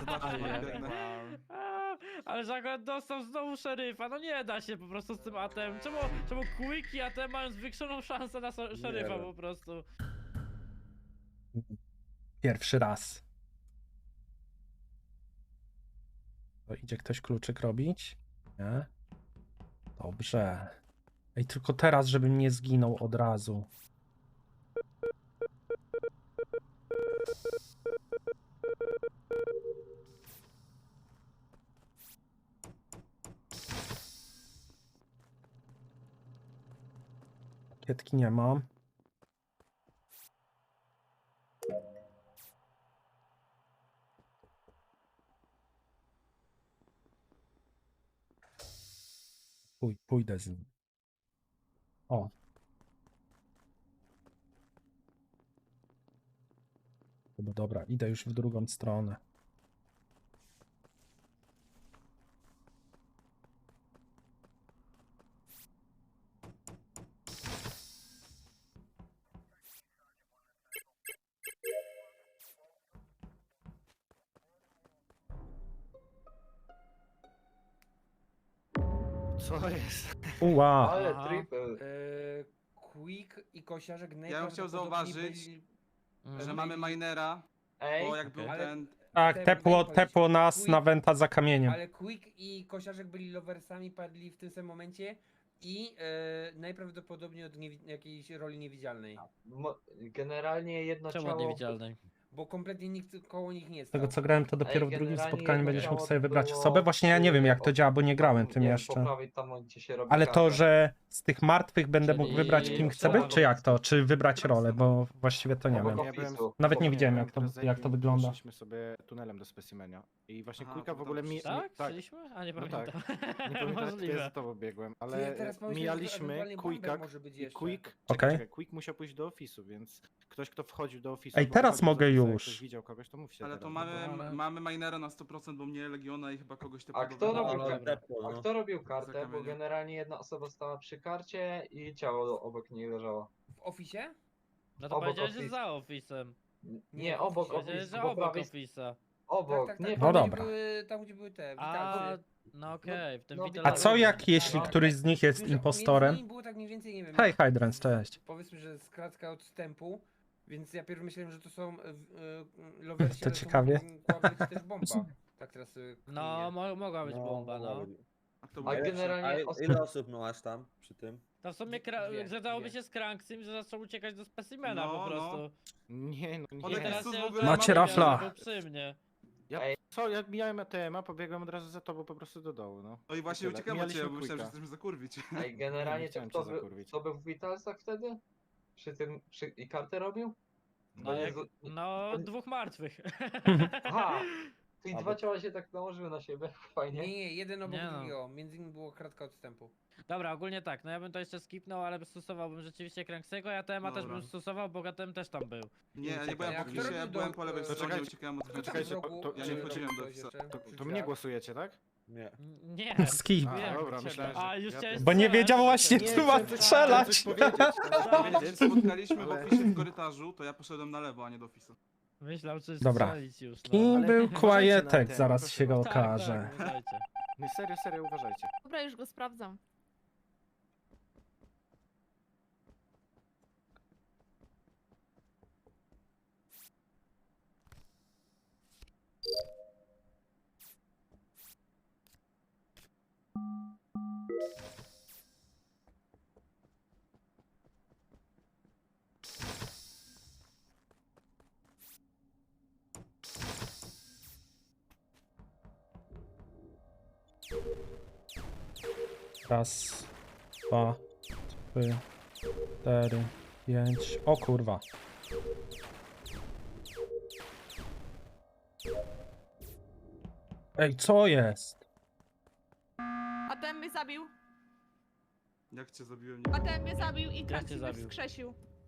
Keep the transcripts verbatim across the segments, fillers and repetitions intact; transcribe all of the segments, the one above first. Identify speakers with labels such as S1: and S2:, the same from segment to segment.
S1: Zobaczcie,
S2: nie,
S1: biegnę.
S2: A, ale że akurat dostał znowu szeryfa, no nie da się po prostu z tym atem. Czemu, czemu Quick i atem mają zwiększoną szansę na so- szeryfa
S3: wiem.
S2: po prostu?
S4: Pierwszy raz. To idzie ktoś kluczyk robić? Nie? Dobrze. Ej, tylko teraz, żebym nie zginął od razu. Kietki nie mam. Pój, pójdę z nim. O. No dobra, idę już w drugą stronę.
S1: Co jest?
S4: Uła.
S3: Ale
S2: Aha.
S3: triple.
S5: Eee, Quick i Kosiarzek
S1: Ja bym chciał
S5: najprawdopodobniej
S1: zauważyć,
S5: byli-
S2: Mhm.
S1: że mamy minera,
S3: Ej,
S1: bo jak
S2: Okej.
S1: był
S5: Ale-
S1: ten...
S4: Tak,
S5: Te-
S4: tepło,
S5: mogę powiedzieć,
S4: tepło nas
S5: Quick-
S4: na wenta za kamieniem.
S5: Ale Quick i Kosiarzek byli loversami, padli w tym samym momencie i e, najprawdopodobniej od niewi- jakiejś roli niewidzialnej.
S3: mo- generalnie jedno
S2: Czemu od
S3: ciało...
S2: niewidzialnej?
S5: Bo kompletnie nikt koło nich nie
S4: Z tego
S5: stał.
S4: co grałem, to dopiero
S3: Ej,
S4: w drugim
S3: generalnie
S4: spotkaniu
S3: jedno
S4: będziesz mógł
S3: ciało
S4: sobie wybrać
S3: było
S4: osobę. Właśnie ja nie wiem jak to
S3: przy-
S4: działa, bo nie grałem tym
S3: nie wiem,
S4: jeszcze.
S3: Po prawej tam, gdzie się robi
S4: Ale to,
S3: karta.
S4: że z tych martwych będę mógł
S2: Czyli
S4: wybrać kim chcę
S2: trzeba
S4: być, czy jak to? Czy wybrać rolę, bo właściwie to nie
S3: Obok
S4: wiem.
S6: Ja byłem-
S3: ofisu.
S4: Nawet nie
S3: Obok-
S4: widziałem jak to,
S6: Imprezę
S4: jak
S6: i
S4: to wygląda.
S6: Poszliśmy sobie tunelem do specimenia. I właśnie
S1: Aha,
S6: Quicka
S1: to
S6: w
S1: tam
S6: ogóle mi...
S1: przecież-
S6: mi-
S2: Tak?
S6: tak,
S2: Chcieliśmy? A nie
S6: no
S2: pamiętam.
S6: tak. Nie pamiętam, jak
S2: Możliwe.
S6: za tobą biegłem,
S5: Ty, ja
S6: ale
S5: teraz pomyślałem, że
S6: mijaliśmy
S5: ewentualnie Bamber
S6: Quicka
S5: może być
S6: i
S5: jeszcze.
S6: Quick...
S4: Okej.
S6: Czekaj, czekaj, Quick musiał pójść do ofisu, więc ktoś, kto wchodził do ofisu...
S4: Ej,
S6: albo
S4: teraz
S6: wychodził z
S4: mogę
S6: ofisa, jak
S4: już.
S6: ktoś widział kogoś, to mówcie
S1: Ale
S6: teraz,
S1: to
S6: no
S1: mamy,
S2: ale-
S1: mamy minera na sto procent, bo mnie Legiona i chyba kogoś
S3: A
S1: typu
S3: kto
S1: do-
S3: robił,
S2: no,
S3: kar-
S2: dobra.
S3: a kto robił kartę? Bo
S1: Zakamienie.
S3: generalnie jedna osoba stała przy karcie i ciało obok niej leżało.
S5: W ofisie?
S2: No to
S3: Obok
S2: powiedziałeś, że
S3: office.
S2: za ofisem.
S3: N-
S5: Nie,
S3: Nie, obok
S2: Powiedziałeś,
S3: ofisu,
S2: że
S3: po
S2: obok
S3: prawej...
S2: ofisa.
S3: Obok,
S5: tak, tak,
S3: nie
S5: tak.
S4: No
S5: Tam,
S4: dobra.
S5: Gdzie były, tam gdzie były te
S2: A,
S5: witalcy.
S2: no okej, w tym
S3: no,
S2: widelcu.
S4: A co jak jeśli
S3: No.
S4: któryś z nich jest
S5: Między
S4: impostorem?
S5: nimi było tak mniej więcej, nie wiem.
S4: Hej Hydrans, cześć.
S5: Powiedzmy, że skratka odstępu, więc ja pierw myślałem, że to są e, e, lowersi,
S4: To
S5: ale
S4: ciekawie.
S5: mogła być też bomba. Tak teraz e,
S2: No,
S5: kminię.
S2: mo mogła być bomba,
S7: mogła
S2: no.
S7: być.
S1: A kto
S3: A
S1: był
S7: A
S1: pierwszy?
S3: generalnie
S7: A
S3: os-
S7: ile osób masz tam przy tym?
S2: To w sumie kra-
S5: Dwie,
S2: zgadzałoby
S5: dwie.
S2: się z Kranksym, że zaczął uciekać do specimena
S1: No,
S2: po
S1: no.
S2: prostu.
S6: Nie, no
S1: On
S2: I
S6: nie.
S1: jakiś
S2: teraz
S1: cud
S2: się
S1: w ogóle
S4: Macie
S1: ma-
S4: rafla.
S2: był przy mnie.
S6: Ja,
S3: Ej.
S6: co, ja mijałem A T M-a, pobiegłem od razu za tobą po prostu do dołu, no.
S1: No i właśnie
S6: Tyle.
S1: uciekam od ciebie,
S6: Mijaliśmy
S1: bo myślałem, że
S6: Quicka.
S1: chcesz mnie zakurwić.
S3: Ej, generalnie to
S6: chciałem
S3: kto,
S6: cię
S3: by,
S6: zakurwić.
S3: kto był w Vitalsach wtedy? Przy tym, przy, i kartę robił?
S2: No,
S3: To nie
S2: jak,
S3: z-
S2: no dwóch martwych.
S3: Aha! I
S7: A,
S3: dwa
S7: bo-
S3: ciała się tak nałożyły na siebie, fajnie.
S5: Nie, nie, jeden obok
S2: Nie no.
S5: drugiego. Między nimi było kratka odstępu.
S2: Dobra, ogólnie tak, no ja bym to jeszcze skipnął, ale stosowałbym rzeczywiście Kranksego, ja T M A też
S1: Dobra.
S2: bym stosował, bo Gatem też tam był.
S1: Nie, ja nie byłem
S5: Jak
S1: po
S5: kto
S1: ofisie, ja
S5: robił
S1: byłem
S5: do-
S1: po lewej
S5: e,
S1: stronie,
S6: Poczekajcie,
S1: uciekałem od
S6: poczekajcie,
S1: Hydrana.
S6: to- to-
S1: Ja
S6: czy-
S1: nie wchodziłem do
S5: Ktoś
S1: ofisa.
S5: jeszcze
S6: To,
S5: przy
S6: to mnie
S5: drzwiach?
S6: głosujecie, tak?
S7: Nie.
S2: N- Nie.
S4: Skip.
S6: A,
S2: Wiem,
S6: dobra,
S2: ciebie.
S6: myślałem, że-
S2: A, już
S6: ja
S2: chciałeś
S4: Bo nie
S2: strzelać,
S4: wiedział
S2: to
S4: właśnie,
S2: tak.
S4: czy ma
S6: chciałem coś-
S4: strzelać.
S6: chciałem coś powiedzieć, chciałem
S1: Jak
S6: powiedzieć.
S1: się spotkaliśmy w
S6: ale-
S1: ofisie w korytarzu, to ja poszedłem na lewo, a nie do ofisu.
S2: Myślał, czy
S4: Dobra.
S2: strzelić już, no.
S4: Kim
S6: Ale
S4: był
S6: uważajcie na
S4: Quietek?
S6: ten,
S4: Zaraz
S6: proszę
S4: się go
S6: bardzo.
S2: Tak,
S4: okaże.
S2: tak, uważajcie.
S6: Nie, serio, serio, uważajcie.
S8: Dobra, już go sprawdzam.
S4: Raz, dwa, trzy, cztery, pięć. O kurwa. Ej, co jest?
S8: A ten mnie zabił.
S1: Jak cię zabiłem, nie
S8: A ten mnie zabił i
S2: cię
S8: Kranks mnie
S2: zabił?
S8: wskrzesił.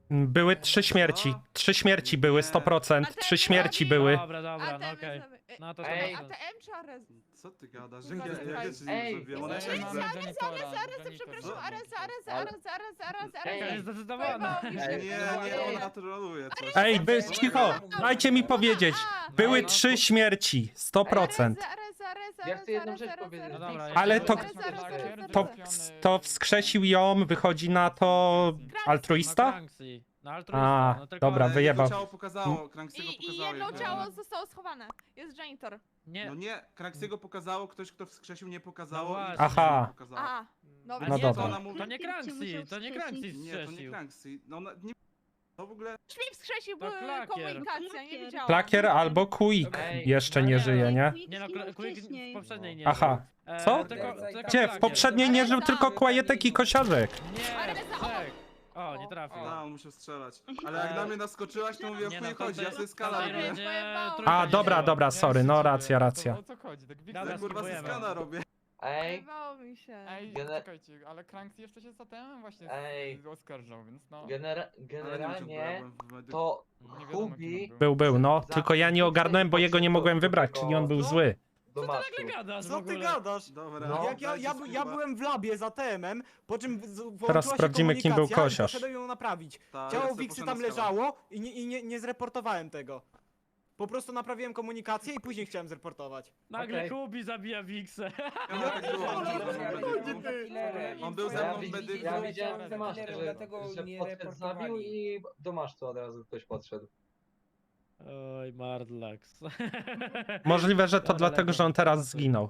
S4: Były trzy śmierci.
S1: Co?
S4: Trzy śmierci były, sto procent.
S8: A ten
S4: Trzy śmierci
S8: drugi?
S4: były.
S2: Dobra, dobra, no
S8: ATM
S2: okej.
S8: jest za- e,
S2: No to
S3: Ej.
S2: sto procent.
S8: A T M czy Arez?
S1: Co ty gadasz?
S8: Kurwa,
S1: Jak ja, ja
S8: słuchaj.
S1: też
S3: Ej,
S1: nie zrobiłem, ona
S3: jest-
S1: nie
S3: jest-
S1: chce.
S8: Arez, Arez, Arez, przepraszam,
S1: Co?
S8: Arez, Arez,
S3: Ale-
S8: Arez, Arez, Arez,
S3: Ej.
S2: To
S8: Arez.
S2: jest zdecydowane.
S8: Pojebało mi się.
S3: Ej,
S1: Nie, nie, ona troluje coś.
S4: Ej, by,
S5: Co?
S4: cicho! Dajcie mi powiedzieć. Były
S6: no,
S4: trzy
S6: to-
S4: śmierci. sto procent.
S8: Arez, Arez, Arez,
S3: Ja chcę jedną
S8: Arez,
S3: rzecz
S8: Arez,
S3: powiedzieć.
S8: Arez,
S2: No dobra,
S8: Arez,
S2: ja
S4: Ale
S2: się
S4: to-
S8: Arez, Arez, Arez,
S4: To,
S8: Arez.
S4: to wskrzesił ją, wychodzi na to altruista?
S2: No, Kranksy. No
S4: A,
S2: altruista, no tylko...
S4: dobra,
S1: Ale
S4: wyjebał.
S1: jego ciało pokazało, Kranksiego
S8: I, I
S1: pokazało.
S8: jedno
S1: jak-
S8: ciało zostało schowane. Jest janitor.
S2: Nie,
S1: No nie, Kranksiego pokazało, ktoś kto wskrzesił nie pokazało.
S2: No
S1: i
S2: właśnie.
S1: Kranksiego
S4: Aha.
S1: pokazało.
S8: A, dobra.
S2: A
S4: No
S2: nie,
S4: dobra.
S2: To,
S1: Ona mówi-
S2: to nie Kranksy, to nie Kranksy
S1: Nie, to nie
S2: strzesił.
S1: Kranksy. No ona nie... To w ogóle...
S8: Śmi wskrzesił,
S2: To
S8: bo
S2: klakier.
S8: komunikacja, nie wiedziałam.
S4: Klakier albo Quick
S3: Ej,
S4: jeszcze
S2: no
S4: nie
S2: nie,
S4: żyje, nie?
S2: Nie no, Kla- Quick w poprzedniej nie
S4: Aha.
S2: żył. E,
S4: Co?
S2: Tylko, tylko
S4: Gdzie? W
S2: Klakier.
S4: poprzedniej nie żył tylko Kłajetek i Kosiarzek.
S2: Nie,
S8: Ale za-
S2: trzech. O, nie trafił.
S1: Da, on musiał strzelać. Ale jak na mnie naskoczyłaś, to mówię, o
S2: Nie,
S1: chuj
S2: no to
S1: chodzi, ja
S2: ty-
S1: sobie
S2: to
S1: skala
S2: ty
S1: robię.
S2: będzie
S8: Pojebało.
S2: trójka
S4: A,
S2: nie
S4: dobra,
S2: żyła.
S4: dobra, sorry, no racja, racja.
S9: O co chodzi? Tak
S2: Dobra,
S1: Ja
S9: Wiktor...
S1: kurwa sobie
S2: spróbujemy.
S1: skana robię.
S3: Ej,
S8: Pojebało mi się.
S9: Ej,
S3: Gene-
S9: czekajcie, ale Cranks jeszcze się za tem właśnie
S3: Ej.
S9: z- oskarżał, więc no...
S3: genera
S1: Ale nie wiem, czy
S3: generalnie
S1: byłem w medyku.
S3: to
S9: Nie wiadomo, kim
S3: Hubi
S9: on był.
S4: Był, był, no.
S3: Za-
S4: Tylko ja nie ogarnąłem, bo jego nie mogłem wybrać, czyli on był zły.
S3: do
S2: Co ty
S3: masztu.
S2: nagle gadasz w
S10: Co ty
S2: ogóle?
S10: gadasz?
S1: Dobra.
S3: No.
S10: Jak ja, ja,
S1: dajcie
S10: ja
S1: spróba-
S10: byłem w labie za T M-em, po czym z- włączyła
S4: Teraz
S10: się
S4: sprawdzimy, kim był
S10: komunikacja i
S4: Kosiarz.
S10: poszedłem ją naprawić.
S1: Ta, ja
S10: Ciało
S1: sobie
S10: Wiksy
S1: poszedłem
S10: tam
S1: na skałę.
S10: leżało i, nie, i nie, nie zreportowałem tego. Po prostu naprawiłem komunikację i później chciałem zreportować.
S2: Nagle
S3: Okej.
S2: Kubi zabija Wiksę.
S1: Ja tak było, on był ze mną w
S10: Chodzi
S1: medyku.
S10: ty.
S1: On był ze
S3: Ja,
S1: mną w
S3: widzi-
S1: medyku.
S3: ja widziałem te maszty, że,
S5: Dlatego
S3: że
S5: nie
S3: podszedł, zabił
S5: reportowali.
S3: i do masztu od razu ktoś podszedł.
S2: Oj, Mardlax.
S4: Możliwe, że to
S2: Dobra,
S4: dlatego,
S2: dobra.
S4: że on teraz zginął.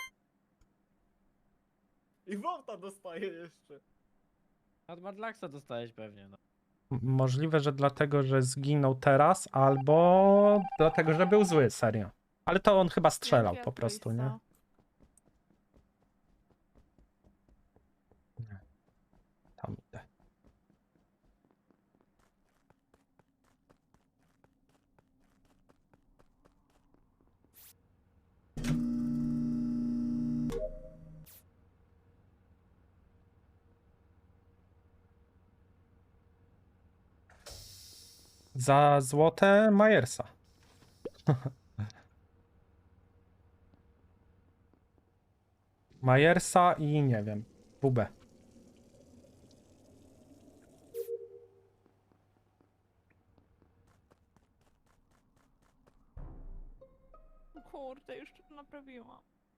S10: I Wąta dostaje jeszcze.
S2: Od Mardlaxa dostałeś pewnie, no.
S4: M- Możliwe, że dlatego, że zginął teraz, albo dlatego, że był zły, serio. Ale to on chyba strzelał
S8: Jaki
S4: po prostu, nie?
S8: altruista.
S4: Tam idę. Za złote Majersa. Majersa i nie wiem, Bubę.
S8: Kurde, już to naprawiłam.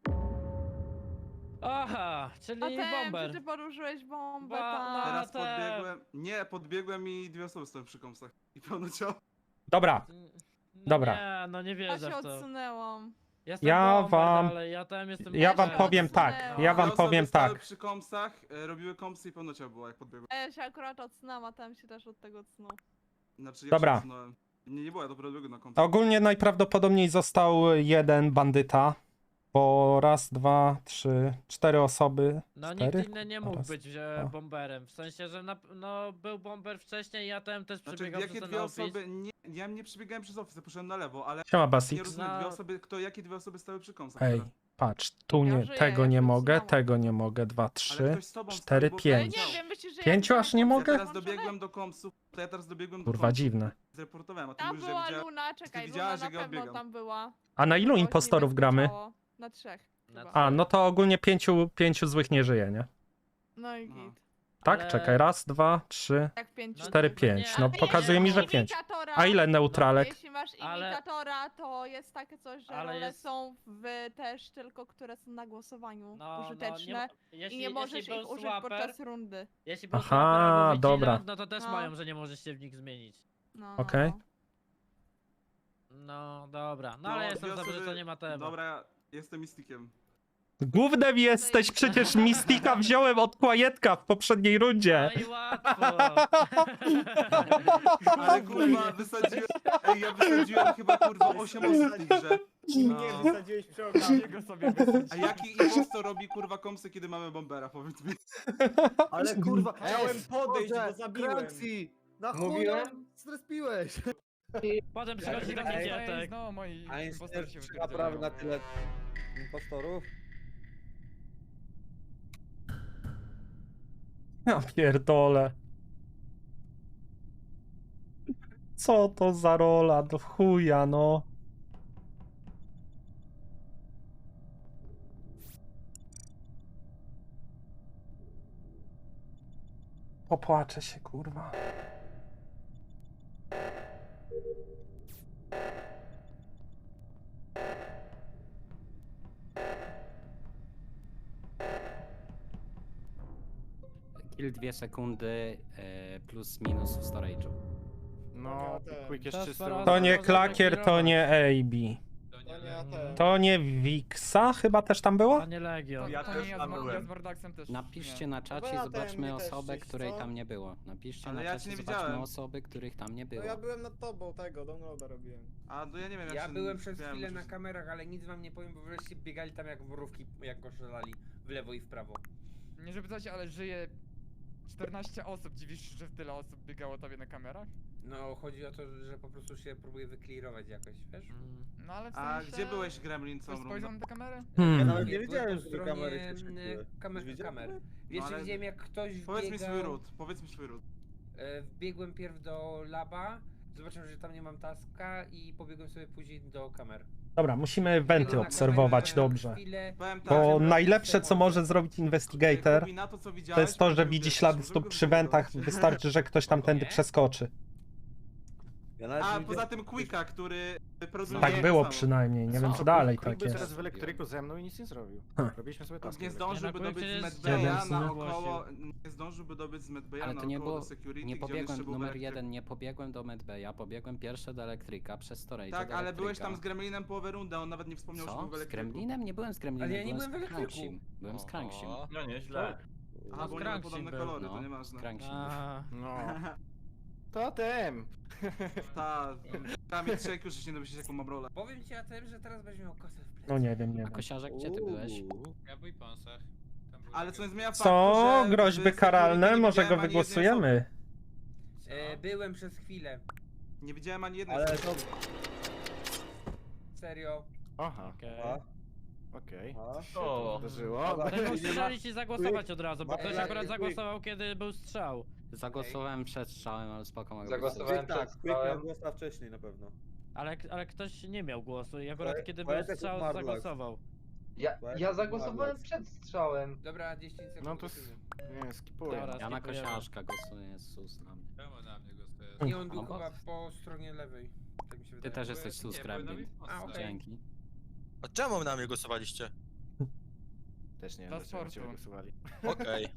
S2: Aha, czyli
S8: A ten,
S2: bomber.
S8: czy ty poruszyłeś bombę
S2: Ba-
S8: tam?
S1: Teraz
S2: te-
S1: podbiegłem... Nie, podbiegłem i dwie osoby stoją przy kąsach. I pełno ciało.
S4: Dobra,
S2: No
S4: Dobra.
S2: Nie, no nie
S8: Ja
S2: wierzę
S8: się
S2: w to.
S8: odsunęłam.
S2: Jestem
S4: Ja
S2: bomber
S4: wam-
S2: dalej, ja tam jestem
S4: ja wam
S2: bomber.
S4: powiem tak, ja wam
S1: Dwie osoby
S4: powiem
S1: stały
S4: tak.
S1: przy kąsach, e, robiły kąsy i pełno ciało było, jak podbiegłem.
S8: A ja się akurat odsunęłam, a tam się też od tego odsunął.
S1: Znaczy, ja
S4: Dobra.
S1: się odsunąłem. Nie, nie było, ja dopiero biegłem na kąsach.
S4: Ogólnie najprawdopodobniej został jeden bandyta, bo raz, dwa, trzy, cztery osoby.
S2: No
S4: cztery?
S2: nikt inny nie mógł
S4: Raz,
S2: być e,
S4: dwa.
S2: bomberem. W sensie, że na, no, był bomber wcześniej, ja tam też
S1: Znaczy,
S2: przebiegał
S1: jakie
S2: przez ten
S1: dwie
S2: office.
S1: osoby... Nie, ja nie przebiegałem przez office, poszedłem na lewo, ale...
S4: Siema
S1: Nie
S4: Basix.
S1: rozumiem,
S2: No.
S1: dwie osoby, kto, jakie dwie osoby stały przy kąsach
S4: Ej,
S1: teraz?
S4: patrz, tu
S8: Ja
S4: nie,
S8: żyję,
S4: tego
S8: ja
S4: nie
S8: się
S4: mogę,
S8: odsunęłam.
S4: tego nie mogę, dwa,
S1: Ale
S4: trzy,
S1: ktoś z tobą stał,
S4: cztery,
S1: bo-
S8: Ale
S4: pięć.
S8: nie wiem, myślisz, że
S4: Pięciu
S8: ja
S4: aż nie
S1: Ja
S4: mogę?
S1: teraz dobiegłem do komsów, to ja teraz dobiegłem do
S4: Kurwa,
S1: komsów.
S4: dziwne.
S1: Zreportowałem, a ty
S8: Tam
S1: mówisz, że
S8: była
S1: widziałem...
S8: Luna, czekaj, Luna
S1: widziałaś,
S8: na
S1: jak ja
S8: pewno
S1: odbiegam.
S8: tam była.
S4: A na ilu
S8: Było
S4: impostorów
S8: niebieskie
S4: gramy?
S8: ciało. Na trzech.
S2: Na
S8: chyba.
S4: A, no to ogólnie pięciu, pięciu złych nie żyje, nie?
S8: No i
S1: Aha.
S8: git.
S4: Tak?
S2: Ale-
S4: Czekaj, raz, dwa, trzy,
S8: Jak pięciu.
S2: No
S4: cztery,
S2: nie,
S4: pięć.
S2: nie,
S4: No
S2: ale
S4: pokazuje mi, że
S8: Jeśli
S4: pięć.
S8: imitatora-
S4: A ile neutralek?
S8: Jeśli masz
S2: Ale-
S8: imitatora, to jest takie coś, że
S2: Ale
S8: role
S2: jest-
S8: są w też tylko, które są na głosowaniu
S2: No,
S8: użyteczne.
S2: no, nie, jeśli,
S8: I nie możesz
S2: jeśli
S8: ich
S2: był
S8: użyć
S2: swaper,
S8: podczas rundy.
S2: jeśli był
S4: Aha,
S2: swaper albo
S4: dobra.
S2: vigilant, no to też
S8: No.
S2: mają, że nie możesz się w nich zmienić.
S8: No,
S4: Okej.
S8: no.
S2: No dobra, no,
S1: No,
S2: ale
S1: dwie
S2: jestem dobry, że
S1: osoby-
S2: to nie ma tematu.
S1: Dobra, jestem mistykiem.
S4: Głównym jesteś, przecież Mistika wziąłem od Kłajetka w poprzedniej rundzie.
S2: No i łatwo.
S1: Ale kurwa, wysadziłem... Ej, ja wysadziłem chyba kurwa osiem osób w tej grze.
S2: No.
S10: Nie, wysadziłeś przy okazji.
S9: Go sobie wysadził.
S1: A jaki impostor robi kurwa komsy, kiedy mamy bombera, powiedz mi.
S10: Ale kurwa,
S3: Ej,
S10: chciałem podejść,
S3: Boże,
S10: bo zabiłem.
S3: Kranksy, na chuj
S10: Mówiłem?
S3: nam zrespiłeś.
S2: Potem przychodzi taki
S7: Ej,
S2: kietek.
S9: No, moi
S7: A
S9: impostorzy
S7: jest
S9: się
S7: czy naprawdę na
S9: wypierdzielają.
S7: tyle impostorów?
S4: Ja pierdolę. co to za rola do chuja, no. Popłaczę się, kurwa.
S11: Kill dwie sekundy e, plus minus w storage'u.
S6: No, Quick jest
S2: Teraz
S6: czysty.
S2: pora-
S4: To nie
S2: Można
S4: klakier, to
S2: zaklirować.
S4: nie A B. To nie Wixa chyba też tam było?
S2: A nie Legion.
S9: Ja
S1: Ja
S9: to
S1: też
S9: nie ja
S1: tam
S9: z, Mar- ja
S1: byłem.
S9: z Mordaxem też.
S11: Napiszcie
S9: nie.
S11: na czacie,
S10: ja
S11: zobaczmy
S10: ten, mi też
S11: osobę,
S10: gdzieś,
S11: której
S10: co?
S11: tam nie było. Napiszcie
S1: Ale
S11: na
S1: ja
S11: czacie,
S1: cię nie
S11: zobaczmy
S1: widziałem.
S11: osoby, których tam nie było.
S10: No ja byłem nad tobą tego, downloada robiłem.
S1: A to ja nie wiem jak
S5: Ja
S1: się
S5: byłem przez
S1: miałem
S5: chwilę na
S1: uczyć.
S5: kamerach, ale nic wam nie powiem, bo wreszcie biegali tam jak mrówki, jak go strzelali w lewo i w prawo.
S9: Nie żeby coś, ale żyje czternaście osób. Dziwisz się, że tyle osób biegało tobie na kamerach?
S5: No, chodzi o to, że po prostu się próbuje wyklirować jakoś, wiesz?
S9: No ale w
S1: A
S9: sensie...
S1: gdzie byłeś, Gremlin, całą
S9: Ktoś spojrzał
S1: rundę?
S9: na tę kamerę?
S7: Ja
S4: Hmm.
S7: nawet nie
S5: Byłem
S7: wiedziałem,
S5: po
S7: że te kamery się
S5: stronie,
S7: świeciły.
S5: e, kamer,
S7: Już widziałeś?
S5: kamer. Wiesz,
S1: No, ale-
S5: widziałem jak ktoś
S1: Powiedz mi
S5: wbiegał,
S1: swój ród, powiedz mi swój ród.
S5: e, wbiegłem pierw do laba, zobaczyłem, że tam nie mam taska i pobiegłem sobie później do kamer.
S4: Dobra, musimy
S5: Biegłem
S4: wenty
S5: na
S4: obserwować
S5: kamerę na
S4: dobrze.
S5: chwilę,
S1: Powiem tak,
S4: Bo
S1: że-
S4: najlepsze, co może zrobić Investigator,
S1: Kubi, na to, co
S4: to
S1: widziałeś,
S4: jest to, że
S1: możemy
S4: widzi
S1: wiedzieć,
S4: ślady
S1: możemy
S4: stóp
S1: go
S4: przy wentach.
S1: wybudować.
S4: Wystarczy, że ktoś tam tędy
S5: Nie?
S4: przeskoczy.
S7: Ja nawet
S1: A
S7: nie
S1: poza
S7: wiedziałem-
S1: tym Quicka, który produkuje
S4: Tak
S1: to
S4: było
S1: samo.
S4: przynajmniej, nie wiem
S11: Co?
S4: czy dalej
S6: Quick
S4: tak
S6: był
S4: jest.
S6: teraz w elektryku ze mną i nic nie zrobił.
S4: Ha.
S6: Robiliśmy sobie taski.
S1: Nie
S6: w
S1: zdążyłby
S2: Nie, no,
S1: dobyć z
S2: Quick
S1: Medbaya
S4: jest-
S1: na
S2: Jeden
S1: około... Nie zdążyłby dobyć z Medbaya
S11: Ale
S1: na
S11: to nie
S1: około
S11: było-
S1: do security,
S11: Nie
S1: gdzie on
S11: pobiegłem,
S1: jeszcze był w
S11: numer
S1: elektryku.
S11: jeden, nie pobiegłem do Medbaya, pobiegłem pierwsze do elektryka, przez storage
S1: Tak,
S11: do
S1: ale byłeś
S11: elektryka.
S1: tam z Gremlinem połowę rundy, a on nawet nie wspomniał, że był
S11: Co?
S1: w
S11: Z
S1: elektryku.
S11: Gremlinem? Nie byłem z Gremlinem,
S5: Ale ja nie
S11: byłem
S5: byłem w
S11: z
S5: elektryku.
S11: Cranksim. Byłem z Cranksim.
S1: No nieźle.
S2: A,
S1: A, bo
S2: z
S1: nie
S2: Cranksim
S1: podobne
S2: był.
S1: kolory, to
S11: No,
S1: nieważne.
S11: z Cranksim.
S2: A,
S6: No. To tym.
S1: Ta, tam jest trzech, już się nie domyślić jaką mam rolę.
S5: Powiem ci, Atem, że teraz będziesz miał kosę w plecy.
S4: No nie wiem, nie
S11: A
S4: wiem.
S11: Kosiarzek, gdzie ty byłeś?
S12: Ja w Weaponsach. Tam były
S1: Ale co nie zmienia faktu,
S4: Co?
S1: że
S4: Groźby
S1: w security
S4: karalne?
S1: nie
S4: Może
S1: widziałem
S4: go
S1: ani jednej
S4: wygłosujemy?
S5: E, byłem przez chwilę.
S1: osoby. Nie widziałem ani jednej
S7: Ale
S1: osoby.
S5: Serio.
S6: Aha,
S2: okej.
S7: A,
S6: okej.
S7: a.
S6: To wydarzyło.
S7: Dobra.
S2: Ktoś mógł
S7: Nie ma-
S2: strzelić i zagłosować od razu, bo
S7: Ma-
S2: ktoś
S5: Quick,
S2: akurat
S7: Quick.
S2: zagłosował, kiedy był strzał.
S11: Zagłosowałem przed strzałem, ale spoko mogę
S3: Zagłosowałem
S7: Quick tak,
S3: przed
S7: Quick miał
S3: strzałem.
S7: głosa wcześniej na pewno.
S2: Ale, ale ktoś nie miał głosu i akurat
S7: Ale-
S2: kiedy
S7: ale
S2: był
S7: tak
S2: strzał,
S7: umarł
S2: zagłosował.
S3: Ja, ja zagłosowałem przed strzałem.
S5: Dobra, dziesięć sekund.
S6: No to... s-
S5: głosujmy.
S6: Nie, skipuję.
S2: Dobra.
S11: Ja na
S2: skipujemy.
S11: Kosiarzka głosuję, sus na mnie.
S12: Czemu na mnie głosujesz?
S5: I on był
S11: No bo-
S5: chyba po stronie lewej. Tak mi się
S11: Ty
S5: wydaje.
S11: też
S5: Bo
S11: jesteś
S5: ja-
S11: sus,
S12: Nie, byłem na
S11: Gremlin.
S12: Weaponsach.
S5: A, okej.
S11: Dzięki.
S12: A czemu na mnie głosowaliście?
S6: Też nie wiem,
S9: Dla
S6: dlaczego na ciebie
S9: sportu.
S6: głosowali.
S12: Okej.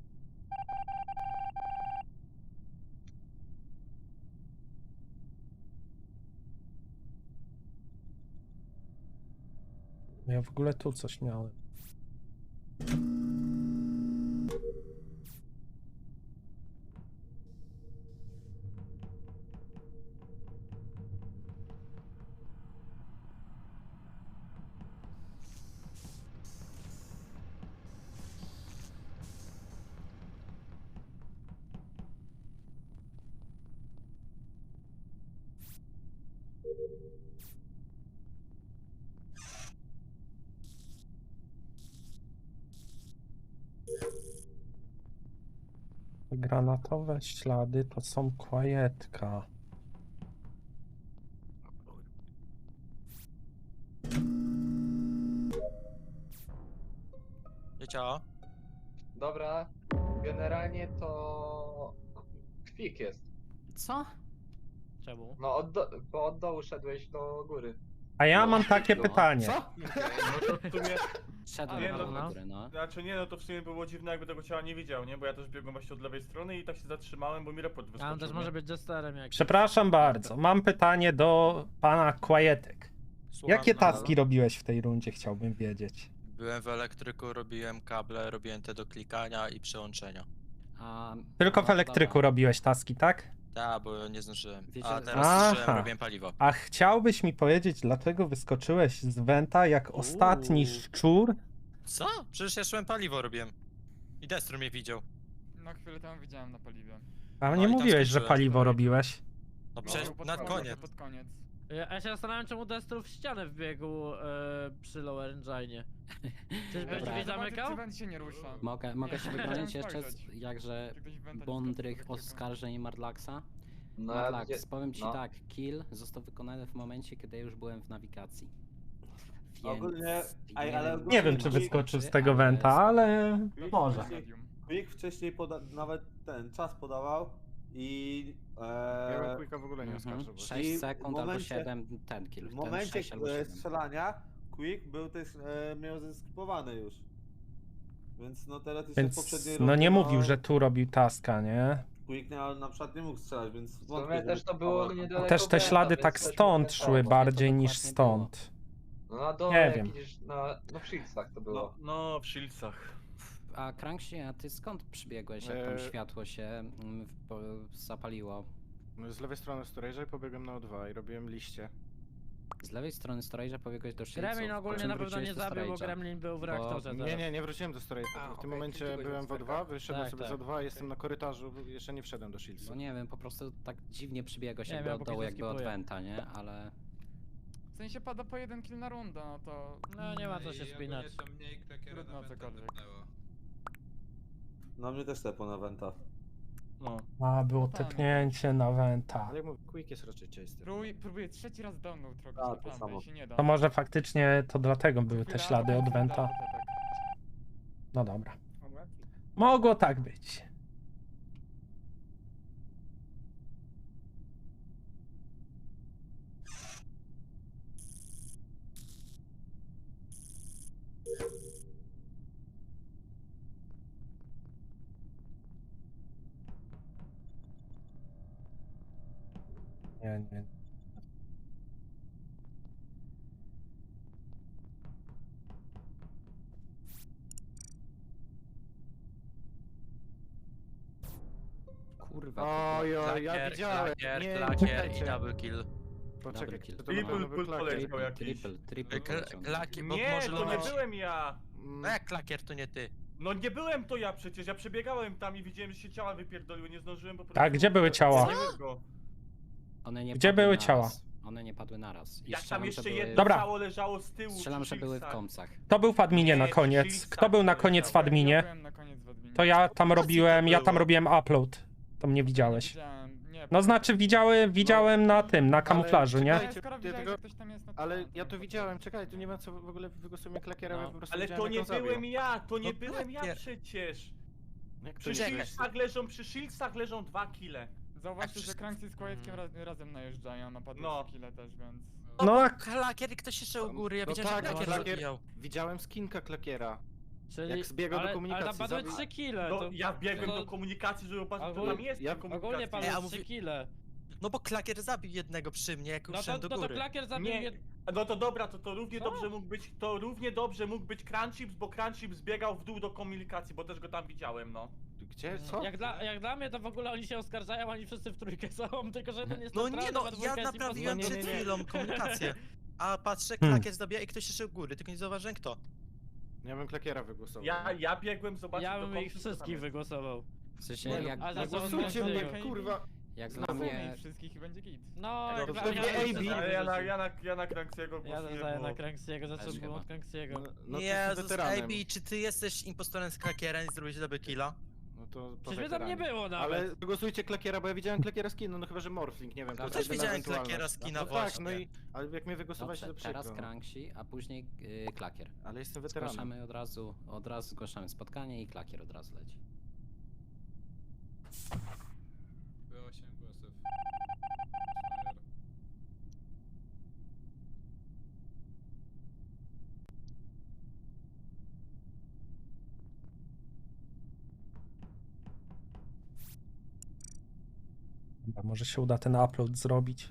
S4: Ja w ogóle tu coś miałem. Granatowe ślady to są kłajetka.
S12: Wiecie?
S3: Dobra, generalnie to... Kwik jest.
S11: Co?
S2: Czemu?
S3: No, od do... bo od dołu szedłeś do góry.
S4: A ja
S3: No.
S4: mam takie
S11: No.
S4: pytanie.
S6: Co?
S1: No to w sumie...
S11: Szedłem
S1: Nie,
S11: na
S1: no,
S11: no, górę, no.
S1: Znaczy nie, no to w sumie było dziwne, jakby tego ciała nie widział, nie? Bo ja też biegłem właśnie od lewej strony i tak się zatrzymałem, bo mi report
S2: A
S1: wyskoczył.
S2: on też
S1: nie?
S2: może być jesterem jak.
S4: Przepraszam bardzo, mam pytanie do pana Kłajetek.
S12: Słucham,
S4: Jakie
S12: no.
S4: taski robiłeś w tej rundzie, chciałbym wiedzieć.
S12: Byłem w elektryku, robiłem kable, robiłem te do klikania i przełączenia.
S11: A,
S4: Tylko
S11: no,
S4: w elektryku
S11: dobra.
S4: robisz taski, tak?
S12: Tak, bo nie zdążyłem.
S11: Wiecie,
S12: A teraz
S4: Aha.
S12: zdążyłem, robiłem paliwo.
S4: A chciałbyś mi powiedzieć, dlaczego wyskoczyłeś z Wenta jak ostatni
S2: Uuu.
S4: szczur?
S12: Co? Przecież ja szłem paliwo robiłem. I Destro mnie widział.
S9: No chwilę temu widziałem na paliwie.
S4: A
S12: No
S4: nie
S12: i tam
S4: mówiłeś, że
S12: skończyłem.
S4: paliwo robiłeś.
S12: No
S9: No,
S12: przecież
S9: pod
S12: na
S9: koniec,
S12: koniec.
S9: Pod koniec.
S2: Ja, ja się zastanawiam, czemu Destru w ścianę wbiegł e, przy Lower Engine. Czyżby
S11: Dobra.
S2: drzwi zamykał?
S9: Czy węd się nie rusza?
S11: Mogę, mogę się
S9: Nie,
S11: wybronić
S9: chciałem
S11: jeszcze, z,
S9: spojrzeć.
S11: jakże
S9: Czy ktoś węta nie
S11: bądrych
S9: skoczył do tego?
S11: oskarżeń Marlaxa.
S3: No, ja
S11: Madlax,
S3: widzia-
S11: powiem ci
S3: no.
S11: tak, kill został wykonany w momencie, kiedy już byłem w nawigacji. Więc
S7: Ogólnie- ej,
S11: nie
S7: ale
S11: wiem,
S7: ogólnie
S4: Nie wiem, czy
S7: Quick-
S4: wyskoczył z
S11: czy,
S4: tego
S11: ale
S4: wenta,
S11: spoko.
S4: ale może.
S9: Medium.
S7: Quick wcześniej poda nawet ten czas podawał i...
S6: Ja bym
S7: E,
S6: Quicka w ogóle nie
S11: Mhm.
S6: oskarżył. bo-
S11: sześć
S7: I w
S11: sekund albo
S7: momencie-
S11: siedem, ten kill.
S7: w
S11: ten
S7: momencie
S11: sześć albo
S7: e,
S11: siedem.
S7: strzelania Quick był też, e, miał zeskipowane już. Więc no teraz jeszcze w
S4: Więc
S7: poprzedniej
S4: no
S7: rundzie,
S4: nie mówił, że tu robił taska, nie?
S7: Quick na, na przykład nie mógł strzelać, więc
S3: W
S7: wątpię,
S3: sumie
S7: żeby
S3: też to było
S7: skipował.
S3: niedaleko
S4: Też te
S3: Benta,
S4: ślady
S3: więc
S4: tak
S3: też mógł
S4: stąd
S3: ten
S4: szły
S3: sam.
S4: bardziej niż
S11: dokładnie
S4: stąd.
S3: No na dole,
S4: Nie
S3: jak
S4: wiem.
S3: idziesz na, no w Shieldsach to
S1: No,
S3: było.
S1: no w Shieldsach.
S11: A Cranksy, a ty skąd przybiegłeś, jak tam
S6: Eee.
S11: światło się mm, w- po- zapaliło?
S6: No, z lewej strony storage'a i pobiegłem na O dwa i robiłem liście.
S11: Z lewej strony storage'a pobiegłeś do Shieldsów.
S2: Gremlin
S11: po
S2: ogólnie
S11: czym
S2: na pewno
S11: wróciłeś
S2: nie
S11: do
S2: zabił, bo
S11: storage'a.
S2: Gremlin był w
S11: Bo-
S2: reaktorze
S6: Nie,
S2: teraz.
S6: nie, nie wróciłem do storage'a.
S5: A,
S6: W tym
S5: okej,
S6: momencie
S5: czyli
S6: byłem w O dwa, wyszedłem
S2: Tak,
S6: sobie
S2: tak.
S6: z O dwa, jestem na korytarzu, jeszcze nie wszedłem do Shieldsów.
S11: No nie wiem, po prostu tak dziwnie przybiegłeś
S2: Nie
S11: jakby
S2: wiem,
S11: od
S2: póki
S11: dołu,
S2: co
S11: jakby od
S2: skipuję.
S11: Venta, nie? Ale...
S9: W sensie pada po jeden kill na rundę, no to...
S2: No nie ma co się spinać.
S9: Trudno cokolwiek.
S7: Na mnie też tepo na Venta.
S1: No.
S4: A, było
S9: No tak.
S4: tepnięcie na wenta.
S6: Ale jak mówię, Quick jest raczej chaser.
S9: Próbuję, próbuję trzeci raz download robić
S7: A,
S9: na
S7: to
S9: plantę
S7: samo.
S9: i się nie da.
S4: To może faktycznie to dlatego były te
S9: Chwila,
S4: ślady od
S9: chwila,
S4: wenta.
S9: tak, tak.
S4: No dobra.
S5: Dobra.
S4: Mogło tak być. Nie, nie.
S11: Kurwa,
S6: Oj,
S11: to
S6: oj, ja
S12: Klakier,
S6: widziałem.
S12: klakier,
S6: Nie,
S12: klakier i
S6: czekajcie.
S12: double kill.
S6: Poczekaj,
S11: kill.
S6: to na pewno
S1: Triple
S6: był
S1: pull
S6: klakier.
S1: poleciał
S11: triple,
S1: jakiś.
S11: triple, triple
S12: Kla-
S11: poleciał.
S12: Klakier, bo
S1: Nie,
S12: może
S1: to nie
S12: być-
S1: byłem ja.
S12: No jak klakier to nie ty?
S1: No nie byłem to ja przecież, ja przebiegałem tam i widziałem, że się ciała wypierdoliły, nie zdążyłem po prostu...
S4: Tak, gdzie były ciała?
S1: Nie wiem go.
S11: One nie
S4: Gdzie
S11: padły
S4: były
S11: naraz.
S4: ciała?
S11: One nie padły naraz. I
S1: Jak tam
S11: strzelam,
S1: jeszcze
S11: że były...
S1: jedno
S4: Dobra.
S1: ciało leżało z tyłu
S11: Strzelam,
S1: przy
S11: że były w
S1: Shieldsach.
S11: komsach.
S4: Kto był w adminie na
S1: Nie,
S4: koniec?
S1: Shieldsach
S4: Kto był na koniec w
S1: poleciał.
S9: Ja
S4: adminie?
S9: byłem na koniec w adminie.
S4: To ja tam robiłem, ja tam
S12: było.
S4: robiłem upload. To mnie widziałeś.
S9: Widziałem, nie,
S4: No znaczy widziały, widziałem na tym, na kamuflażu, nie?
S9: Ale
S6: czekajcie,
S9: skoro
S6: ty
S9: widziałeś,
S6: tego-
S9: że ktoś tam jest, no to...
S6: Ale
S9: no,
S6: ja to
S9: nie
S6: widziałem, czekaj, tu nie ma co w ogóle wygłosujemy klakiera,
S11: No.
S6: ja po prostu
S1: Ale
S6: widziałem,
S1: to
S6: jak
S1: nie
S6: on zabił.
S1: byłem ja, to nie
S12: No
S1: byłem ja
S12: klakier.
S1: przecież.
S6: Jak to
S1: Przy
S6: nie
S12: Czekaj.
S6: byłeś?
S1: Shieldsach leżą, przy Shieldsach leżą dwa kile.
S9: Zauważcie, że
S12: wszystko-
S9: Cranksy z Kłajeckiem raz, razem najeżdżają, napadły
S1: No.
S9: no. kile też, więc...
S4: No,
S12: bo
S4: a-
S12: klakier i ktoś jeszcze u góry, ja
S6: No
S12: widziałem,
S6: tak,
S12: że
S6: no,
S12: klakier
S6: klakier-
S12: zabijał.
S6: Widziałem skinka klakiera.
S2: Czyli...
S6: Jak zbiegał do
S2: ale,
S6: komunikacji,
S2: Ale tam padły
S6: zabił-
S2: trzy kile.
S1: No
S2: to...
S1: ja biegłem
S2: to-
S1: do komunikacji, żeby patrzeć, kto
S2: Ogólnie-
S1: tam jest
S6: ja-
S1: w tej
S2: Ogólnie
S1: komunikacji.
S2: padły
S12: Ej, a
S2: trzy
S12: mówi-
S2: kile.
S12: No bo klakier zabił jednego przy mnie, jak
S2: No to,
S12: uszedłem do
S2: no to
S12: góry.
S2: klakier zabił
S1: Nie,
S2: jed...
S1: no to dobra, to, to równie
S2: Co?
S1: dobrze mógł być, to równie dobrze mógł być Crunchips, bo Crunchips biegał w dół do komunikacji, bo też go tam widziałem, no.
S6: Gdzie? Co?
S2: Jak dla, jak dla mnie to w ogóle oni się oskarżają, oni wszyscy w trójkę są, tylko że jeden jest
S12: No
S2: neutralny,
S12: nie no,
S2: a dwójka
S12: ja
S2: jest
S12: naprawiłem
S6: nie, nie,
S12: przed
S6: nie.
S12: chwilą komunikację. A patrzę,
S4: Hmm.
S12: klakier zabija i ktoś jeszcze u góry, tylko nie zauważyłem kto.
S6: Ja bym klakiera wygłosował.
S1: Ja, ja biegłem zobaczyć
S2: Ja
S1: do
S2: bym ich
S1: kompu, co tam
S2: wszystkich
S1: jest.
S2: wygłosował.
S11: W sensie,
S6: Nie, no,
S11: jak,
S2: a za
S11: jak,
S2: co
S6: Głosujcie
S2: on
S6: mnie,
S2: będzie?
S6: kurwa.
S11: jak dla
S6: Znowu
S11: mnie...
S9: ich wszystkich i będzie git.
S2: No,
S6: No
S2: jak
S6: to
S2: dla
S6: pewnie
S2: mnie...
S6: A B.
S1: Ale ja na, ja na, ja na Cranksiego
S2: Ja
S1: głosuję,
S2: zostaję
S1: bo...
S2: na Cranksiego,
S11: Też
S2: zacząłbym
S11: chyba.
S2: od Cranksiego.
S6: No, no to
S12: Jezus,
S6: jestem weteranem.
S12: Ej, czy ty jesteś impostorem z klakierem i zrobiłeś double killa?
S6: No to po
S2: Przecież mnie tam nie
S6: weteranie.
S2: było nawet.
S6: Ale wygłosujcie klakiera, bo ja widziałem klakiera skina, no chyba, że Morphling, nie wiem.
S11: No
S6: to
S11: też
S6: jest jedyna
S12: widziałem
S6: ewentualność.
S12: klakiera skina
S6: no tak,
S12: właśnie.
S6: no i... Ale jak mnie wygłosowałeś,
S11: Dobrze,
S6: to
S11: teraz
S6: przykro. no.
S11: Cranksy, a później yy, klakier.
S6: Ale jestem weteranem.
S11: Zgłaszamy od razu, od razu zgłaszamy spotkanie i klakier od razu leci.
S12: Było osiem głosów.
S4: Dobra, może się uda ten upload zrobić.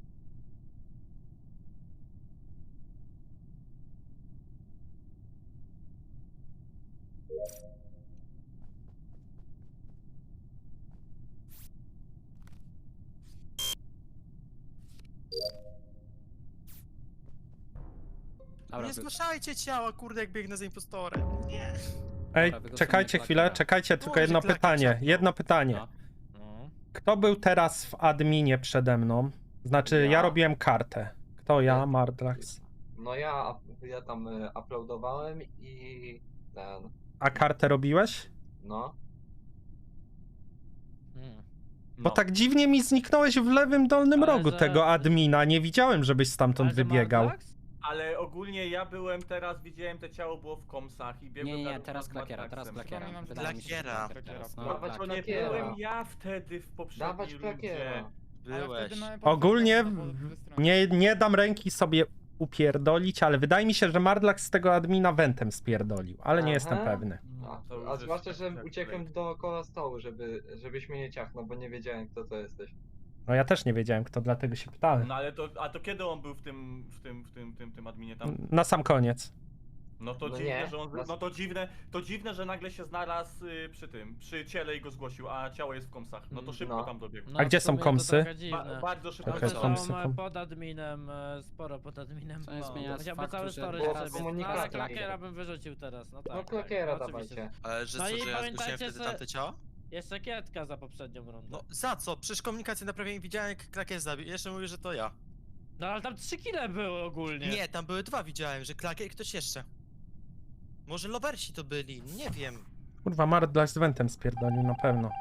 S11: Dobra,
S12: Nie
S11: wy-
S12: zgłaszajcie ciała, kurde, jak biegnę za impostorem. Nie.
S4: Ej,
S11: wygłosujmy
S4: czekajcie chwilę,
S11: klakiera.
S4: czekajcie, tylko
S12: Może
S4: jedno
S12: klakier
S4: pytanie,
S12: czapnął.
S4: jedno pytanie.
S11: No.
S2: No.
S4: Kto był teraz w adminie przede mną? Znaczy, ja,
S3: Ja.
S4: robiłem kartę. Kto ja?
S3: Ja.
S4: Mardlax.
S3: No ja, ja tam y, uploadowałem i ten,
S4: A kartę robiłeś?
S3: no.
S2: Hmm.
S4: Bo
S1: No.
S4: tak dziwnie mi zniknąłeś w lewym dolnym
S2: Ale
S4: rogu
S2: że-
S4: tego admina. Nie widziałem, żebyś stamtąd
S2: Ale że
S4: wybiegał.
S2: Martlax?
S1: Ale ogólnie ja byłem teraz, widziałem te ciało było w komsach i biegłem
S11: Nie, nie,
S1: na
S11: nie,
S1: równo
S11: teraz
S1: z
S11: klakiera, teraz
S1: Matraxem.
S11: klakiera.
S9: Przypominam, że
S11: Wydaje mi się, że
S12: Klakiera.
S11: teraz, no,
S3: Dawać
S11: klak.
S1: To nie
S3: Klakiera.
S1: byłem ja wtedy w poprzedniej
S3: Dawać
S1: rundzie.
S3: klakiera.
S9: Ale
S12: Byłeś.
S9: wtedy mamy
S4: Ogólnie
S9: potwierdzenie, no bo ze strony-
S4: nie, nie dam ręki sobie upierdolić, ale wydaje mi się, że Mardlax z tego admina wentem spierdolił, ale nie
S3: Aha.
S4: jestem pewny.
S1: No,
S3: A,
S1: to już
S3: a
S1: jest
S3: zwłaszcza,
S1: tak
S3: że
S1: jak
S3: uciekłem
S1: Blake.
S3: dookoła stołu, żeby, żebyś mnie nie ciachnął, bo nie wiedziałem, kto to jesteś.
S4: No ja też nie wiedziałem kto, dlatego się pytałem.
S1: No ale to, a to kiedy on był w tym, w tym, w tym, tym, tym adminie tam?
S4: Na sam koniec.
S1: No to
S3: No
S1: dziwne,
S3: nie,
S1: że on,
S3: nas-
S1: no to dziwne, to dziwne, że nagle się znalazł y, przy tym, przy ciele i go zgłosił, a ciało jest w komsach. No to szybko
S3: No.
S1: tam dobiegł.
S2: No,
S4: A gdzie
S2: w
S4: są
S2: sumie to
S4: komsy?
S2: trochę
S1: Ba
S2: dziwne.
S1: bardzo szybko
S4: Okej,
S2: Komsy
S1: okay,
S4: komsy.
S2: są e,
S4: kom-
S2: pod adminem, e, sporo pod adminem.
S11: To nie
S1: No.
S11: zmienia
S2: Chciałby
S11: faktu,
S2: cały
S11: że
S2: storage
S3: Było
S2: na
S3: w
S2: sobie. No, ale
S3: komunikacji.
S2: klakiera bym wyrzucił teraz, no tak.
S3: No
S2: tak,
S3: klakiera
S2: no, oczywiście.
S3: dawajcie.
S12: Ale że
S2: No
S12: co,
S2: i
S12: że ja zgłosiłem
S2: pamiętajcie,
S12: wtedy
S2: że-
S12: tamte ciała?
S2: Jeszcze kietka za poprzednią rundę.
S12: No za co? Przecież komunikację naprawiłem i widziałem jak klakier zabił. I jeszcze mówię, że to ja.
S2: No ale tam trzy kile były ogólnie.
S12: Nie, tam były dwa widziałem, że klakier i ktoś jeszcze. Może lowersi to byli, nie wiem.
S4: Kurwa, Mardlax z wentem spierdolił na pewno.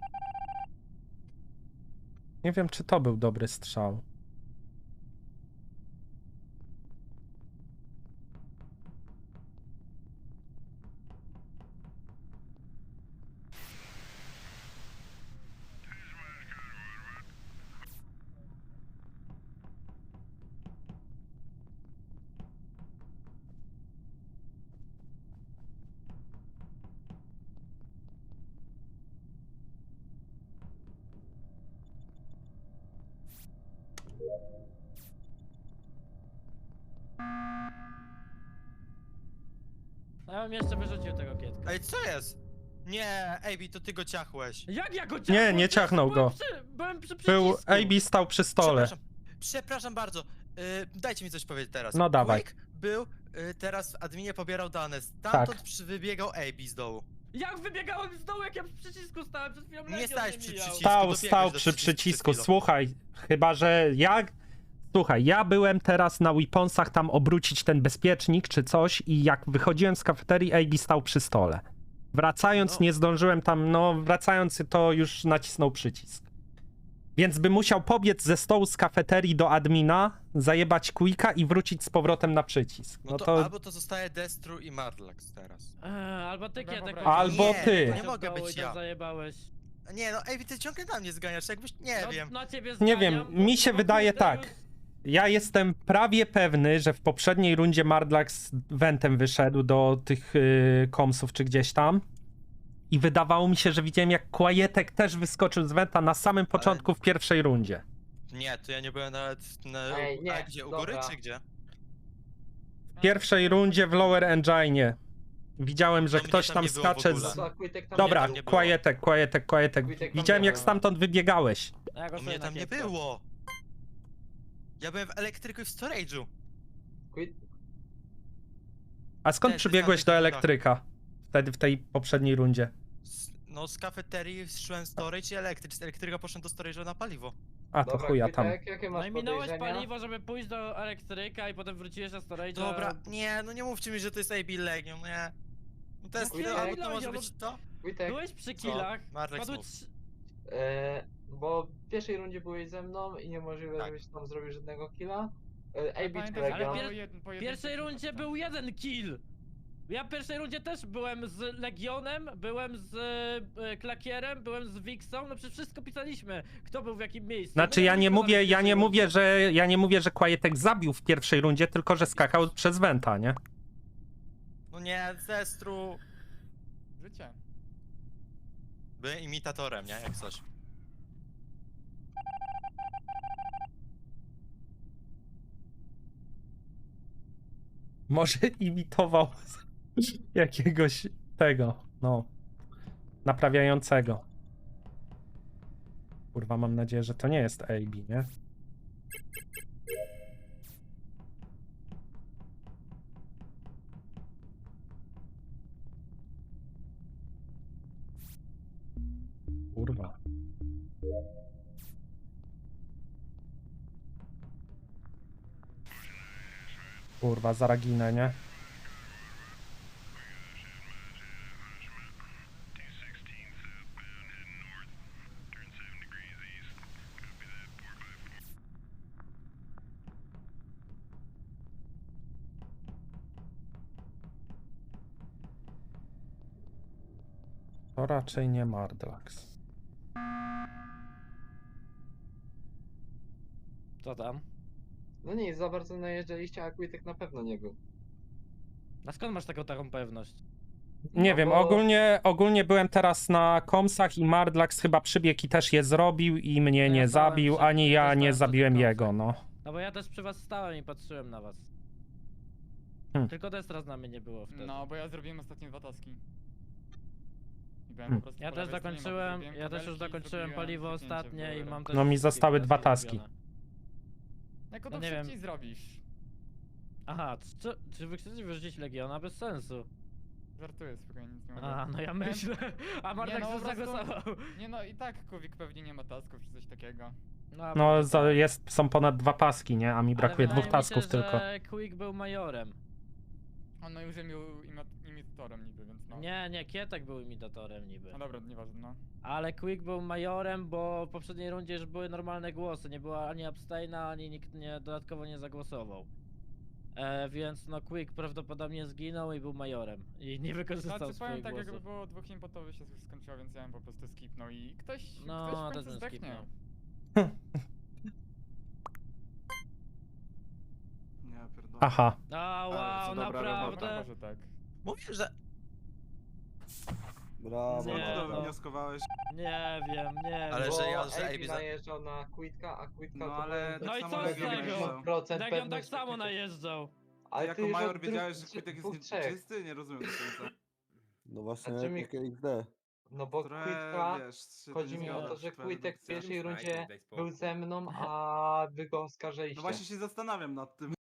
S4: Nie wiem, czy to był dobry strzał.
S2: No ja bym jeszcze wyrzucił tego kietka.
S12: Ej, co jest? Nie, Ejbi, to ty go ciachłeś.
S2: Jak ja go
S4: Nie,
S2: ciachnąłem?
S4: nie
S2: Przecież
S4: ciachnął
S2: byłem
S4: go.
S2: Przy, byłem przy
S4: Był,
S2: przycisku.
S4: A B stał przy stole.
S12: Przepraszam, przepraszam bardzo. Yy, dajcie mi coś powiedzieć teraz.
S4: No dawaj.
S12: Quick był yy, teraz w adminie pobierał dane.
S4: Tak.
S12: Stamtąd przy wybiegał Ejbi z dołu.
S2: Jak wybiegałem z dołu, jak ja przy przycisku stałem, przed chwilą
S12: Nie
S2: Legion
S12: stałeś
S2: mnie
S12: przy
S2: mijał.
S12: przycisku.
S4: Stał,
S12: dobiegłeś
S4: stał
S12: do
S4: przy
S12: przycisku przed
S4: przycisku.
S12: chwilą.
S4: Słuchaj, chyba że ja. Słuchaj, ja byłem teraz na weaponsach tam obrócić ten bezpiecznik czy coś i jak wychodziłem z kafeterii, A B stał przy stole. Wracając
S12: No.
S4: nie zdążyłem tam, no wracając to już nacisnął przycisk. Więc by musiał pobiec ze stołu z kafeterii do admina, zajebać quicka i wrócić z powrotem na przycisk.
S12: No
S4: No
S12: to,
S4: to
S12: albo to zostaje Destru i Mardlax teraz.
S2: Eee, albo ty
S9: Dobra,
S2: kietek.
S9: dobra.
S4: Albo
S12: Nie,
S4: ty.
S12: nie mogę być ja.
S2: Zajebałeś.
S12: Nie no, Ejbi, ty ciągle na mnie zganiasz, jakbyś, nie
S2: no,
S12: wiem.
S2: Na ciebie
S4: Nie wiem,
S2: zganiam,
S4: mi
S2: bo-
S4: się
S2: bo
S4: wydaje
S2: kurde,
S4: tak.
S2: już-
S4: Ja jestem prawie pewny, że w poprzedniej rundzie Mardlax wentem wyszedł do tych yy, komsów czy gdzieś tam. I wydawało mi się, że widziałem jak Quietek też wyskoczył z wenta na samym początku w pierwszej rundzie.
S12: Nie, to ja nie byłem nawet na...
S3: Ej, nie,
S12: A gdzie, u góry
S3: dobra.
S12: czy gdzie?
S4: W pierwszej rundzie w Lower Engine widziałem, że
S12: No mnie
S4: ktoś
S12: tam
S4: tam
S12: nie było w
S4: skacze
S12: ogóle.
S4: z...
S3: No, a Quitek tam
S4: Dobra,
S3: nie
S12: tam
S3: był.
S12: nie było.
S4: Quietek, Quietek, Quietek.
S3: Quietek tam
S4: Widziałem
S3: nie
S4: jak
S3: był.
S4: stamtąd wybiegałeś.
S2: Ja
S12: No
S2: głosuję
S12: mnie
S2: na
S12: tam nie
S2: kietka.
S12: było. Ja byłem w elektryku i w storage'u.
S3: Quit-
S4: A skąd
S12: Też
S4: przybiegłeś do
S12: wystarczy
S4: elektryka? Wtedy w tej poprzedniej rundzie.
S12: Z, no z kafeterii szłem storage i elektryk. Z elektryka poszedłem do storage'u na paliwo.
S4: A to
S3: Dobra,
S4: chuja tam.
S3: Quitek, jakie
S2: No
S3: masz
S2: i minąłeś
S3: podejrzenia?
S2: paliwo, żeby pójść do elektryka i potem wróciłeś na storage.
S12: Dobra, nie, no nie mówcie mi, że to jest A B Legion, nie. No to jest,
S3: Quitek,
S12: albo to
S2: Legion,
S12: może
S2: no
S12: być to?
S3: Quitek,
S2: Byłeś przy killach,
S12: Marlex
S2: padły
S12: mów.
S2: trzy...
S3: e, bo w pierwszej rundzie byłeś ze mną i niemożliwe,
S12: Tak.
S3: żebyś tam zrobił żadnego killa. E,
S9: Ale
S3: A B czy
S9: pamiętaj, że
S3: Legion?
S2: pier-
S9: było jeden-
S2: W
S9: pojedynczy
S2: pierwszej
S9: kill
S2: rundzie
S9: tam.
S2: był jeden kill. Ja w pierwszej rundzie też byłem z Legionem, byłem z e, Klakierem, byłem z Wixą, no przecież wszystko pisaliśmy, kto był w jakim miejscu.
S4: Znaczy
S2: No
S4: ja nie
S2: wszystko
S4: mówię,
S2: tam
S4: ja nie
S2: pisaliśmy.
S4: mówię, że ja nie mówię, że Quietek zabił w pierwszej rundzie, tylko że skakał przez wenta, nie?
S12: No nie, z Destru.
S9: Życie.
S12: Byłem imitatorem, nie? Jak coś.
S4: Może imitował jakiegoś tego, no, naprawiającego. Kurwa, mam nadzieję, że to nie jest A B, nie? Kurwa. Kurwa, zaraginę, nie? To raczej nie Mardlax.
S2: Co tam?
S3: No nic, za bardzo najeżdżaliście, a Quitek na pewno nie był.
S2: A skąd masz taką taką pewność?
S4: Nie
S3: No
S4: wiem,
S3: bo-
S4: ogólnie, ogólnie byłem teraz na komsach i Mardlax chyba przybiegł i też je zrobił i mnie
S2: No ja
S4: nie
S2: stałem
S4: zabił,
S2: przy-
S4: ani
S2: też
S4: ja
S2: stałem
S4: nie
S2: przy
S4: zabiłem
S2: tych
S4: jego,
S2: komsach.
S4: no.
S2: No bo ja też przy was stałem i patrzyłem na was.
S4: Hmm.
S2: Tylko Destra na mnie nie było wtedy.
S9: No, bo ja zrobiłem ostatnie dwa taski. I byłem
S4: Hmm.
S9: po prostu
S2: Ja
S9: po
S2: też
S9: lewej stronie mapy,
S2: zakończyłem,
S9: zrobiłem
S2: ja też już
S9: kabelki,
S2: zakończyłem
S9: zrobiłem
S2: paliwo
S9: kliknięcie w
S2: ostatnie i
S9: górę.
S2: mam też
S4: No mi
S2: wszystkie
S4: zostały dwa
S2: taski
S4: taski.
S2: zrobione.
S9: Jako
S2: No
S9: to
S2: nie wiem.
S9: szybciej zrobisz.
S2: Aha, czy, czy wy chcecie wyrzucić Legiona? Bez sensu.
S9: Żartuję, spokojnie, nic nie mogę.
S2: A, no ja myślę. A Mardlax
S9: no,
S2: już
S9: po prostu-
S2: zagłosował.
S9: Nie no, i tak Kuwik pewnie nie ma tasków czy coś takiego.
S2: a
S4: No
S2: może
S4: za,
S2: tak.
S4: jest, są ponad dwa paski, nie? A mi
S2: Ale
S4: brakuje
S2: wydaje
S4: dwóch
S2: mi
S4: tasków
S2: się,
S4: tylko.
S2: że Quick był majorem.
S9: On no już był imi- imitatorem niby, więc no.
S2: Nie, nie, Kietek był imitatorem niby.
S9: No dobra, nieważne, no.
S2: Ale Quick był majorem, bo w poprzedniej rundzie już były normalne głosy. Nie było ani abstaina, ani nikt nie, dodatkowo nie zagłosował. E, więc no Quick prawdopodobnie zginął i był majorem. I nie wykorzystał
S9: Znaczy
S2: swoich
S9: powiem tak,
S2: głosów.
S9: jakby było dwóch impotowych się już skończyło, więc ja bym po prostu skipnął i ktoś,
S2: No,
S9: ktoś w
S2: też
S9: końcu
S2: bym
S9: zdechnie.
S2: skipnął.
S6: Ja pierdolę.
S4: Aha.
S2: A
S6: Ale
S2: wow,
S6: co dobra
S2: naprawdę?
S9: Dobra, może tak.
S12: Mówię, że...
S7: Brawo.
S2: Nie,
S6: Co
S2: no.
S6: to wnioskowałeś?
S2: Nie wiem, nie
S12: Ale
S2: wiem.
S12: że
S3: Bo
S12: ja- że
S3: Ejbi
S12: Ejbi za-
S3: najeżdżał na Quitka, a Quitka
S6: No
S3: to
S6: ale
S3: był
S2: No i
S6: tak
S2: co
S6: samo
S2: z
S6: Legion
S2: tego?
S6: najeżdżał.
S3: procent
S2: Legion tak
S3: pewności
S2: samo
S3: Quitek.
S2: najeżdżał.
S3: Ale
S6: Jako
S3: ty już
S6: major
S3: od
S6: wiedziałeś,
S3: dwóch-
S6: że Quitek jest
S3: dwóch,
S6: nie-
S3: trzech.
S6: czysty? Nie rozumiem do końca.
S7: No właśnie,
S3: Znaczy mi-
S7: jak X D.
S3: No bo
S6: Trochę,
S3: Quitka,
S6: wiesz, się
S3: chodzi
S6: nie
S3: mi o
S6: zgadza
S3: to,
S6: przy
S3: że
S6: twojej
S3: Quitek w
S6: dedukcji.
S3: pierwszej rundzie był ze mną, a wy go oskarżyliście.
S6: No właśnie się zastanawiam nad tym.